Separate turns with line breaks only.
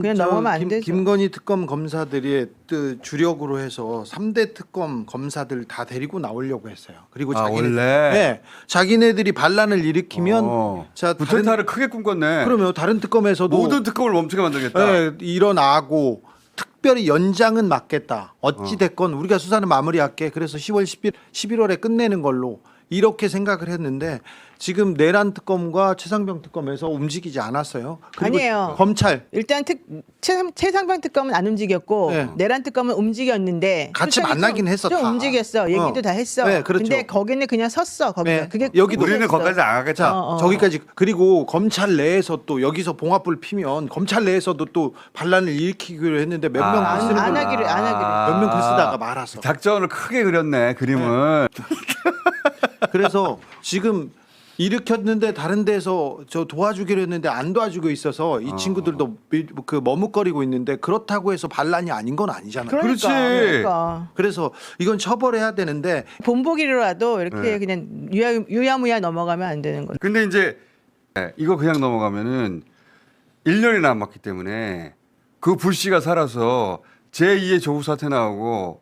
그냥 넘어가면 안 되죠.
김건희 특검 검사들이 주력으로 해서 3대 특검 검사들 다 데리고 나오려고 했어요. 그리고
원래
자기네들이 반란을 일으키면 자
구태타를 크게 꿈꿨네.
그러면 다른 특검에서도
모든 특검을 멈추게 만들겠다.
네, 일어나고 특별히 연장은 막겠다. 어찌 됐건 우리가 수사는 마무리할게. 그래서 10월 11월에 끝내는 걸로 이렇게 생각을 했는데 지금 내란 특검과 최상병 특검에서 움직이지 않았어요. 그리고
아니에요.
검찰
일단 최상병 특검은 안 움직였고
네.
내란 특검은 움직였는데
같이
수사는
만나긴
좀,
했어,
좀
다.
움직였어. 얘기도 다 했어.
네, 그렇죠.
근데 거기는 그냥 섰어. 거기.
네.
그게
여기도
우리는
끝이었어.
거기까지 안 가겠다.
저기까지 그리고 검찰 내에서 또 여기서 봉합불 피면 검찰 내에서도 또 반란을 일으키기로 했는데 몇 명
아.
쓰는
안
거
하기를.
몇 명 쓰다가 말았어.
작전을 크게 그렸네 그림을.
그래서 지금 일으켰는데 다른 데서 저 도와주기로 했는데 안 도와주고 있어서 이 친구들도 그 머뭇거리고 있는데 그렇다고 해서 반란이 아닌 건 아니잖아요.
그러니까,
그렇지.
그래서 이건 처벌해야 되는데
본보기로라도 이렇게
네.
그냥 유야무야 넘어가면 안 되는 거죠.
근데 이제 이거 그냥 넘어가면은 1년이 남았기 때문에 그 불씨가 살아서 제2의 조국 사태 나오고